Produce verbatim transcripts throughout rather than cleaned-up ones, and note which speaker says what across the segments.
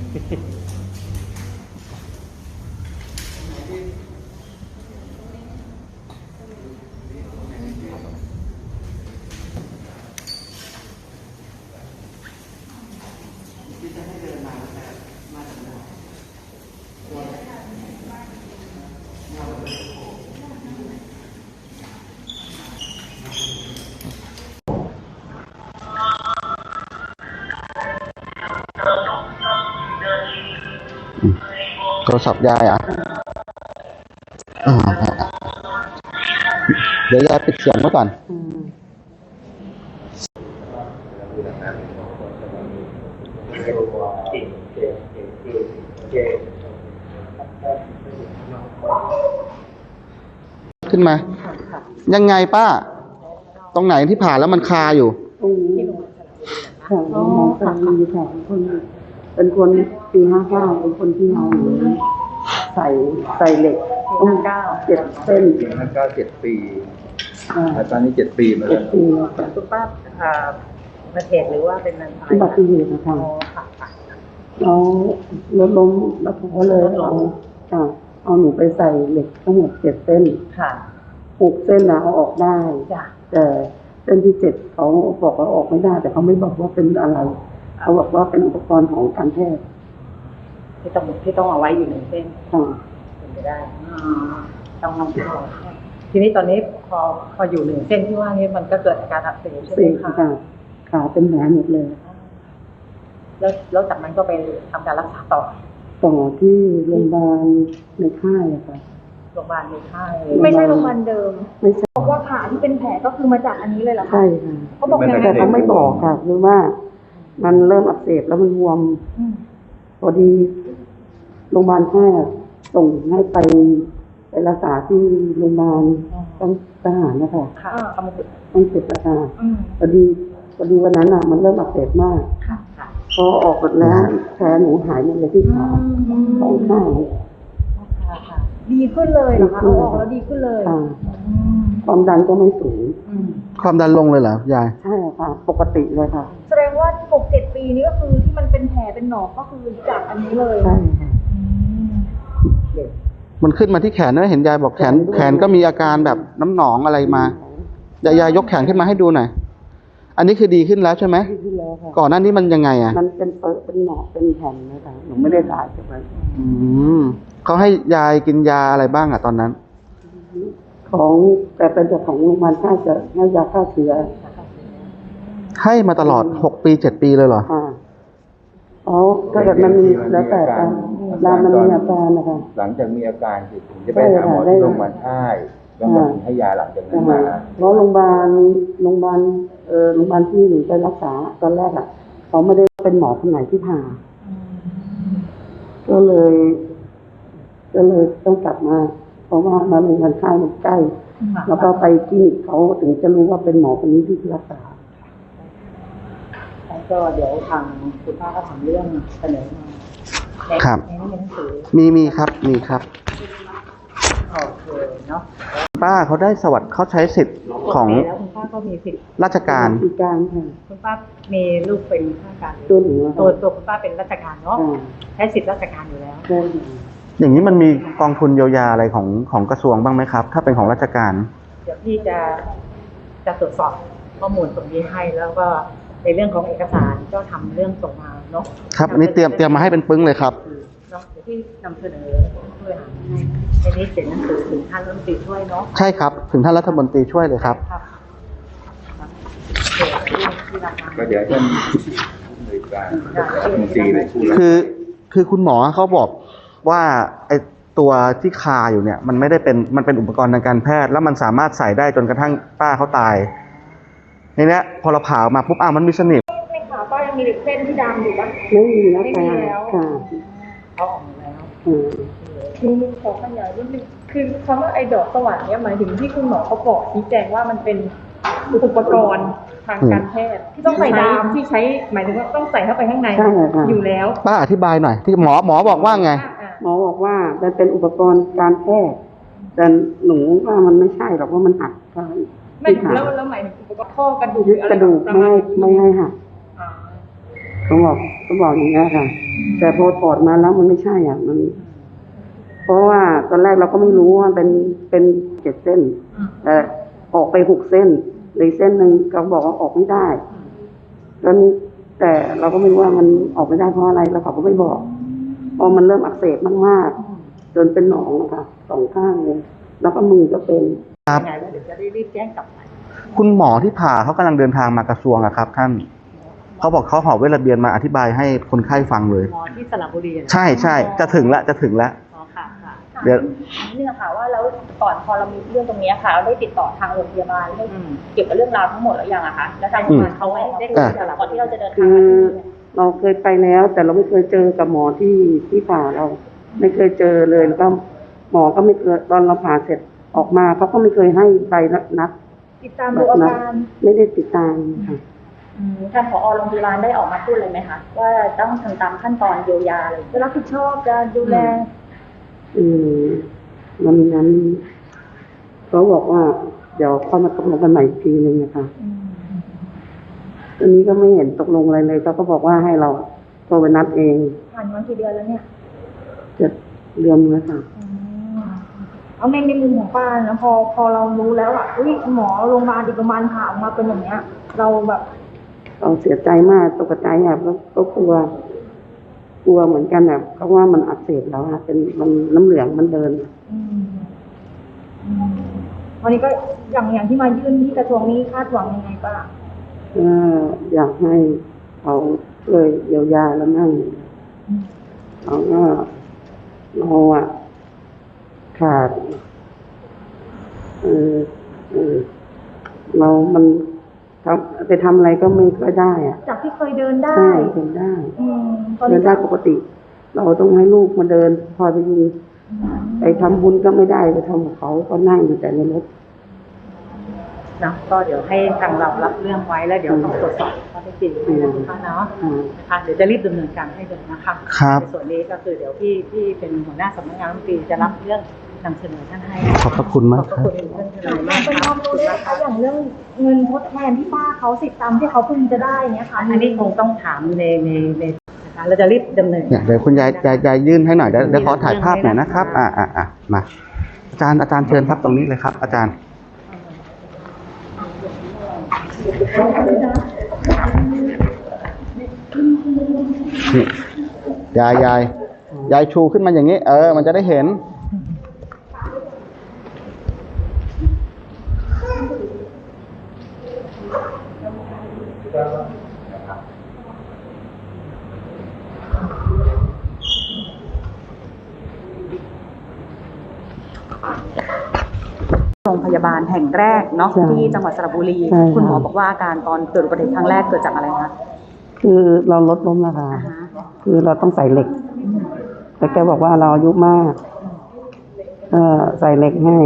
Speaker 1: โทรศัพท์ยายอ่ะเดี๋ยวยายปิดเสียงไว้ก่อนขึ้นมายังไงป้าตรงไหนที่ผ่าแล้วมันคาอยู่
Speaker 2: ตรงนี้ค่ะน้องสามีค่ะคนเป็นคนปีห้าเก้าเป็นคนที่เอาใส่ใส่เหล็กต้องเก้าเจ็ดเส้น
Speaker 3: ปีห้าเก้าเจ็ดปีตอนนี้เจ็ดปีมาแล้ว
Speaker 4: คุณป้าอ่าประเทศหรือว่าเป็นอะไร
Speaker 2: อุบัติเหตุนะคะแล้วรถล้มแล้วเขาเลยเอาค่ะเอาหนูไปใส่เหล็กทั้งหมดเจ็ดเส้น
Speaker 4: ค่ะ
Speaker 2: หกเส้นนะเอาออกได้แต่เส้นที่เจ็ดเขาบอกว่าออกไม่ได้แต่เขาไม่บอกว่าเป็นอะไรเขาบอกว่าเป็นอุปกรณ์ของการแพทย์
Speaker 4: ที่ต้องที่ต้องเอาไว้อยู่หนึ่งเส้น
Speaker 2: ค่ะ
Speaker 4: เป็นไปได้ต้องลองดูทีนี้ตอนนี้พอพออยู่หนึ่งเส้นที่ว่านี้มันก็เกิดอาการอักเสบใช่ไหมคะ
Speaker 2: ค่ะขาเป็นแผลหมดเลย
Speaker 4: แล้วแล้วจากนั้นก็ไปทำการรักษาต่อ
Speaker 2: ต่อที่โรงพยาบาลในค่ายอะค่ะ
Speaker 4: โรงพยาบาลในค่าย
Speaker 5: ไม่ใช่โรงพยาบาลเดิม
Speaker 2: ไม่ใช่
Speaker 5: บอกว่าขาที่เป็นแผลก็คือมาจากอันนี้เลยเหรอคะ
Speaker 2: ใช่ค่ะ
Speaker 5: เขาบอกยังไง
Speaker 2: แต่เขาไม่บอกค่ะคือว่ามันเริ่มอักเสบแล้วมันบวมพอดีโรงพยาบาลค่ายส่งให้ไปไปรักษาที่โรงพยาบาลต้องทหารนะคะ
Speaker 4: ค่ะ
Speaker 2: ต้องเจ็บอาการพอดีพอดีวันนั้นอ่ะมันเริ่มอักเสบมากพอออกหมดแล้วแผลหนูหายหมดเลยที่ขาสองข้าง
Speaker 5: ดีขึ้นเลยเหรอคะเอาออกแล้วดีขึ้นเลย
Speaker 2: ความดันก็ไม่สูง
Speaker 1: ความดันลงเลยเหรอยาย
Speaker 2: ใช่ค่ะปกติเลยค่ะ
Speaker 5: แสดงว่าหกเจ็ดปีนี้ก็คือที่มันเป็นแผลเป็นหนองก็คือจากอันนี้เลย
Speaker 2: ใช่ค่ะ
Speaker 1: มันขึ้นมาที่แขนนะเห็นยายบอกแขนแขนก็มีอาการแบบน้ำหนองอะไรมายายยายยกแขนขึ้นมาให้ดูหน่อยอันนี้คือดีขึ้นแล้วใช่ไหม
Speaker 2: ดีขึ้นแล้วค่ะ
Speaker 1: ก่อนหน้านี้มันยังไงอ่ะ
Speaker 2: มันเป็นเปิดเป็นหนองเป็นแผ่นนะคะหนูไม่ได้ถ่ายใช่ไหม
Speaker 1: อืมเขาให้ยายกินยาอะไรบ้างอ่ะตอนนั้น
Speaker 2: ของแต่เป็นจากของโรงพยาบาลค่ายจะให้ยาฆ่าเชื้อ
Speaker 1: ให้มาตลอดหกปีเจ็ดปีเลยเหรอ
Speaker 2: ค่ะอ๋อถ้าเกิดมันมีแล้วแต่การรามมันมีอาการนะคะ
Speaker 3: หลังจากมีอาการถึงจะไปหาหมอที่โรงพยาบาลค่ายแล้วก็ให้ยาหลังจากนั้นมา
Speaker 2: เพราะโรงพยาบาลโรงพยาบาลเออโรงพยาบาลที่หนูไปรักษาตอนแรกอ่ะเขาไม่ได้เป็นหมอคนไหนที่ผ่าก็เลยก็เลยต้องกลับมาเพราะว่ามาโรงพยาบาลค่ายมันใกล้แล้วก็ไปคลินิกเขาถึงจะรู้ว่าเป็นหมอคนนี้ที่รักษา
Speaker 4: แล้วก็เดี๋ยวทางคุณป้าก็ทำเรื่องเสนอมา
Speaker 1: ครับมีมีครับมีครับ
Speaker 4: โอเคเนาะ
Speaker 1: ป้าเขาได้สวัสดิ์เขาใช้สิทธิ์ของ
Speaker 4: แล้วคุณป้าก็มีสิทธิ์
Speaker 1: ราชการ
Speaker 2: ราชการค่ะ
Speaker 4: คุณป้ามีลูกเป็นข้าราชการ
Speaker 2: ตัวหนู
Speaker 4: ตัวตัวคุณป้าเป็นราชการเนาะใช้สิทธิ์ราชการอยู่แล้ว
Speaker 1: อย่างนี้มันมีกองทุนเยียวยาอะไรของของกระทรวงบ้างไหมครับถ้าเป็นของราชการ
Speaker 4: เดี๋ยวพี่จะจะตรวจสอบข้อมูลตรงนี้ให้แล้วก็ในเรื่องของเอกสารก็ทำเรื่องส่งมาเนาะ
Speaker 1: ครับอันนี้เตรียมเตรียมมาให้เป็นปึ้งเลยครับ
Speaker 4: เนาะเดี๋ยวพี่นำเสนอช่วยหาให้ในนี้เสร็จหนังสือถึงท่านรัฐมนตรีช่วยเนาะ
Speaker 1: ใช่ครับถึงท่านรัฐมนตรีช่วยเลยครับ
Speaker 3: ก็เดี๋ยวท่านในการรัฐมนตรีเลย
Speaker 1: คือคือคุณหมอเขาบอกว่าไอตัวที่คาอยู่เนี่ยมันไม่ได้เป็นมันเป็นอุปกรณ์ทางการแพทย์แล้วมันสามารถใส่ได้จนกระทั่งป้าเขาตายในนี้พอเราผ่าออกมาปุ๊บอ้าวมันมีสนิม
Speaker 5: ในขาป้ายังมีเส้นที่ดำอยู่ปะ
Speaker 2: ไม่มีแล้ว
Speaker 5: ไม่มีแล้ว
Speaker 2: ค่ะ
Speaker 4: เขาออกมาแล้ว
Speaker 5: ทีนี้ขอขยายนิดนึงคือคำว่าไอ้ดอกสว่านเนี่ยหมายถึงที่คุณหมอเขาบอกชี้แจงว่ามันเป็นอุปกรณ์ทางการแพทย์ที่ต้องใส่ดามที่ใช้หมายถึงว่าต้องใส่เข้าไปข้างในอยู่แล้ว
Speaker 1: ป้าอธิบายหน่อยที่หมอหมอบอกว่าไง
Speaker 2: หมอบอกว่ามันเป็นอุปกรณ์การแพทย์แต่หนูว่ามันไม่ใช่หรอกว่ามันหัก
Speaker 5: ไม่แล้วแล้วหมายถึงอุปกรณ์ข้อกระดูก
Speaker 2: ยึดกระดูกไม่ไม่ให้หักต้องบอกต้องบอกอย่างนี้ค่ะ แต่พอถอดมาแล้วมันไม่ใช่อ่ะมัน เพราะว่าตอนแรกเราก็ไม่รู้ว่าเป็นเป็นเจ็ดเส้นแต่ออกไปหกเส้นในเส้นหนึ่งเขาบอกว่าออกไม่ได้แล้วนี้แต่เราก็ไม่รู้ว่ามันออกไม่ได้เพราะอะไรแล้วเขาก็ไม่บอกพอมันเริ่มอักเสบมากๆจนเป็นหนองนะคะสองข้างเลยแล้วก็มือก็เป็น
Speaker 1: ครับ
Speaker 4: ยังไงแล้วเดี๋ยวจะได้รีบแจ้งกลับไป
Speaker 1: คุณหมอที่ผ่าเขากำลังเดินทางมากระทรวงอะครับ ท่านเขาบอกเขาหอบเวทระเบียนมาอธิบายให้คนไข้ฟังเลย
Speaker 4: หมอที่สระบุรีอะนะ
Speaker 1: ใช่ใช่จะถึงละจะถึงละ
Speaker 4: อ๋อค่ะค่ะ
Speaker 1: เดี๋ยว
Speaker 6: นิดนึงค่ะว่าแล้วก่อนพอเรามีเรื่องตรงนี้ค่ะเราได้ติดต่อทางโรงพยาบาลให้
Speaker 4: อืม
Speaker 6: เกี่ยวกับเรื่องราวทั้งหมดแล้วยังอะคะแล้วทางโรงพยาบาลเขาให้ได้คุยกับเราก่อนที่เราจะเดินทาง
Speaker 2: คือ
Speaker 6: มาที่นี่เนี่ย
Speaker 2: เราเคยไปแล้ว แต่เราไม่เคยเจอกับหมอที่ที่ผ่าเรา ไม่เคยเจอเลยแล้วก็หมอก็ไม่เคยตอนเราผ่าเสร็จออกมาเขาก็ไม่เคยให้ใบนัด
Speaker 6: ติดตามดูอาการ
Speaker 2: ไม่ได้ติดตามค่ะ
Speaker 6: อืมทางผอโรงพยาบาลได้ออกมาพูดเลยไหมคะว่าต้องทำตามขั้นตอนเยียวยาเลยจะรับผิดชอบจะดูแล
Speaker 2: อืมวันนั้นเขาบอกว่า เดี๋ยวค่อยมาตกลงกันใหม่อีกทีหนึ่งนะคะตอนนี้ก็ไม่เห็นตกลงอะไรเลยเขาก็บอกว่าให้เราโทรไปนัดเอง
Speaker 6: ผ่านมากี่เดือนแล้วเนี่ย
Speaker 2: เจ็ดเดือนแล้วค่ะ
Speaker 5: เอาในในมุมของป้านะพอพอเรารู้แล้วอ่ะอุ้ยหมอโรงพยาบาลอีกประมาณผ่าออกมาเป็นอย่างเงี้ย เราแบบ
Speaker 2: เราเสียใจมากตกใจอ่ะก็ก็กลัว กลัวเหมือนกันอ่ะเพราะว่ามันอักเสบแล้วอ่ะเป็นมันน้ำเหลืองมันเดิน
Speaker 5: อืมอืมวันนี้ก็อย่างอย่างที่มายื่นที่กระทรวงนี้คาดหวังยังไงป้า
Speaker 2: ก็อยากให้เขาช่วยเยียวยาแล้วนั่งเขาก็เราอ่ะขาดเออเออเรามันทำไปทำอะไรก็ไม่ค่อยได้อ่ะ
Speaker 5: จากที่เคยเดินได้
Speaker 2: ใช่เดินได้
Speaker 5: อืมตอน
Speaker 2: เดิ
Speaker 5: นี้
Speaker 2: นได้ปกติ เราต้องให้ลูกมาเดินพอไปยิงไปทำบุญก็ไม่ได้ไปทำกับเขาก็นั่งอยู่แต่ในรถ
Speaker 4: เนาะก็เดี๋ยวให้ทางเรารับเรื่องไว้แล้วเดี๋ยวต้องตรวจสอบข้อเท็จจริงให้นะคุณป้าเนาะ
Speaker 2: อืม
Speaker 4: นะคะเดี๋ยวจะรีบดำเนินการให้เลยนะคะ
Speaker 1: ครับ
Speaker 4: ในส่วนนี้ก็คือเดี๋ยวพี่พี่เป็นหัวหน้าสำนักงานรัฐมนตรีจะรับเรื่องนำเสนอท่านให้
Speaker 1: ขอบพระคุณมาก
Speaker 4: ขอบ
Speaker 1: ค
Speaker 4: พ
Speaker 1: รั
Speaker 4: ระ
Speaker 1: บ
Speaker 4: คุณท่านทนายมาก
Speaker 5: เป็น
Speaker 4: ค
Speaker 5: ครับ วามรู้ได้ไหมคะอย่างเรื่องเงินทดแทนที่ป้าเขาสิทธิ์ตามที่เขาพึงจะได้เนี้ยค่ะ
Speaker 4: อันนี้คงต้องถามในในในนะคะเราจะรีบดำเนิน
Speaker 1: เนี่ยเดี๋ยวคุณยายยายยายยื่นให้หน่อยเดี๋ยวเดี๋ยวขอถ่ายภาพหน่อยนะครับ อ่าอ่าอ่ามาอาจารย์อาจารย์เชิญครับตรงนี้เลยครับ อาจารย์นี่ยายยายยายชูขึ้นมาอย่างนี้ เออ มันจะได้เห็น
Speaker 7: โรงพยาบาลแห่งแรกเนาะ
Speaker 2: ใช่
Speaker 7: ที่จังหวัดสระบุรี
Speaker 2: ใช่ค่ะ
Speaker 7: คุณหมอบอกว่าอาการตอนเกิดอุบัติเหตุครั้งแรกเกิดจากอะไรคะ
Speaker 2: คือเราลดล้มราคา
Speaker 7: อ่าฮะ
Speaker 2: คือเราต้องใส่เหล็ก แต่แกบอกว่าเราอายุมากเออใส่เหล็กให้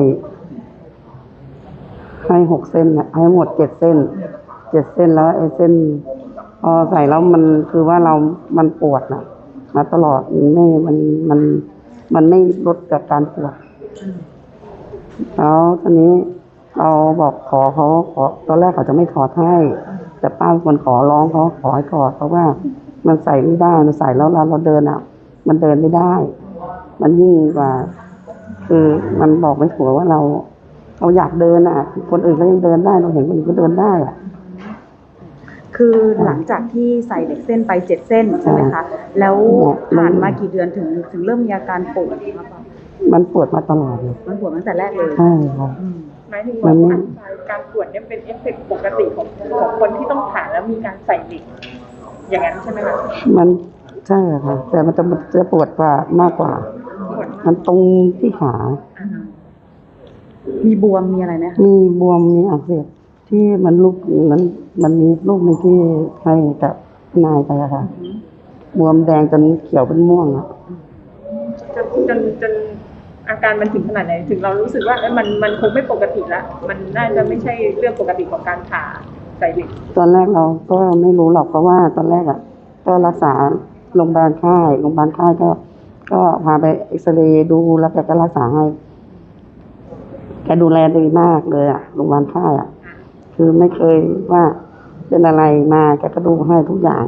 Speaker 2: ให้หกเส้นน่ะให้หมดเจ็ดเส้น เจ็ดเส้นแล้วไอ้เส้น พอใส่แล้วมันคือว่าเรา มันปวดน่ะ มาตลอดมันไม่มันมัน มันไม่ลดจากการปวด แล้วทีนี้เราบอกขอเขาขอตอนแรกเขาจะไม่ถอดให้ แต่ป้าเป็นคนขอร้องเขาขอให้ถอดเพราะว่ามันใส่ไม่ได้มันใส่แล้วเราเราเดินอ่ะ มันเดินไม่ได้ มันยิ่งกว่า คือมันบอกไม่ถูกว่าเรา เราอยากเดินอ่ะ คนอื่นก็ยังเดินได้เราเห็นคนอื่นก็เดินได้อ่ะ
Speaker 7: คือหลังจากที่ใส่เหล็กเส้นไปเจ็ดเส้นใช่ไหมคะ แล้วผ่านมากี่เดือนถึงถึงเริ่มมีอาการปวดครับ
Speaker 2: มันปวดมาตลอดเลย
Speaker 7: มันปวดตั้งแต่แรกเลย
Speaker 2: ใช่ค่ะ
Speaker 7: อืม
Speaker 5: หมายถึง
Speaker 2: มั
Speaker 5: ว่าน
Speaker 2: ไม่
Speaker 5: การปวดเนี่ยเป็นเอฟเฟกต์ปกติของของคนที่ต้องผ่าแล้วมีการใส่เหล็กอย่างนั้นใช่ไหมคะ
Speaker 2: มันใช่ค่ะ แต่มันจะมันจะปวดกว่ามากกว่า
Speaker 5: ปวด
Speaker 2: มันตรงที่ขา
Speaker 7: มีบวมมีอะไรไหมคะ
Speaker 2: มีบวมมีอักเสบที่มันลูกมันมันมีลูกหนึงที่ให้กับนายไปอะค่ะ บวมแดงจนเขียวเป็นม่วงอะ
Speaker 5: จนจนจนอาการมันถึงขนาดไหนถึงเรารู้สึกว่าเอ้ยมันมันคงไม่ปกติละมันน่าจะไม่ใช่เรื่องปกติของการผ่าใส่เหล็ก
Speaker 2: ตอนแรกเราก็ไม่รู้หรอกเพราะว่าตอนแรกอะก็รักษาโรงพยาบาลค่ายโรงพยาบาลค่ายก็ ก็พาไปเอ็กซเรย์ดูแล้วแกก็รักษาให้แกดูแลดีมากเลยอะโรงพยาบาลค่ายอะคือไม่เคยว่าเป็นอะไรมาแกก็ดูให้ทุกอย่าง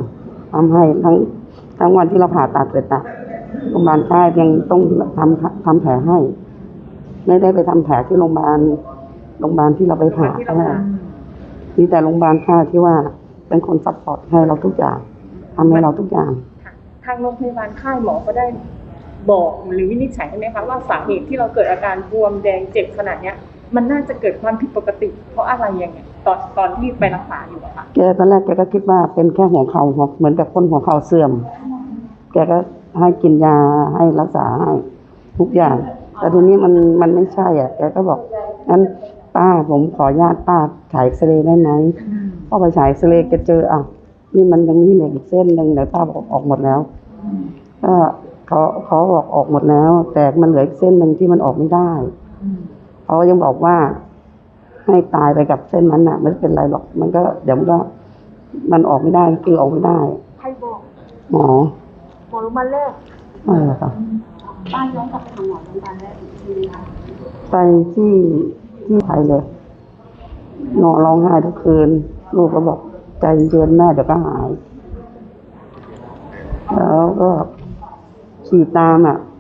Speaker 2: ทำให้ทั้งทั้งวันที่เราผ่าตัดเสร็จอะโรงพยาบาลค่ายยังต้องทำทำแผลให้ ไม่ได้ไปทำแผลที่โรงพยาบาลโรงพยาบาลที่เราไปผ่า
Speaker 5: ที่เราผ่า
Speaker 2: มีแต่โรงพยาบาลค่ายที่ว่าเป็นคนซัพพอร์ตให้เราทุกอย่างทำให้เราทุกอย่าง
Speaker 5: ค่ะทางโรงพยาบาลค่ายหมอก็ได้บอกหรือวินิจฉัยใช่ไหมคะว่าสาเหตุที่เราเกิดอาการบวมแดงเจ็บขนาดเนี้ย มันน่าจะเกิดความผิดปกติ เพราะอะไรยังไงตอนตอนที่ไปรักษาอยู่อะค่ะ
Speaker 2: แกตอนแรกแกก็คิดว่าเป็นแค่หัวเข่าหัวเหมือนกับคนหัวเข่าเสื่อม แกก็ให้กินยาให้รักษาให้ทุกอย่าง แต่ทีนี้มันมันไม่ใช่อ่ะ แกก็บอกงั้นป้าผมขออนุญาตป้าฉายเอ็กซเรย์ได้ไหมพอไปฉายเอ็กซเรย์แกเจออ่ะนี่มันยังมีเหล็กอีกเส้นหนึ่งแต่ป้าบอกออกหมดแล้วก็เขาเขาบอกออกหมดแล้ว แต่มันเหลืออีกเส้นหนึ่งที่มันออกไม่ได้เขายังบอกว่า ให้ตายไปกับเส้นนั้นน่ะไม่เป็นไรหรอก มันก็เดี๋ยวมันก็มันออกไม่ได้คือออกไม่ได้
Speaker 5: ใครบอก
Speaker 2: หมอ
Speaker 5: หมอรู้มาแรก
Speaker 2: เออค่ะ
Speaker 6: ป้าย้อนกลับไปทำหมอโรงพยาบาลแรกอีกทีนึงค่ะ
Speaker 2: ไปที่ที่ไทยเลยนอนร้องไห้ทุกคืน ลูกก็บอกใจเย็นแม่เดี๋ยวก็หาย แล้วก็ขี่ตามอ่ะ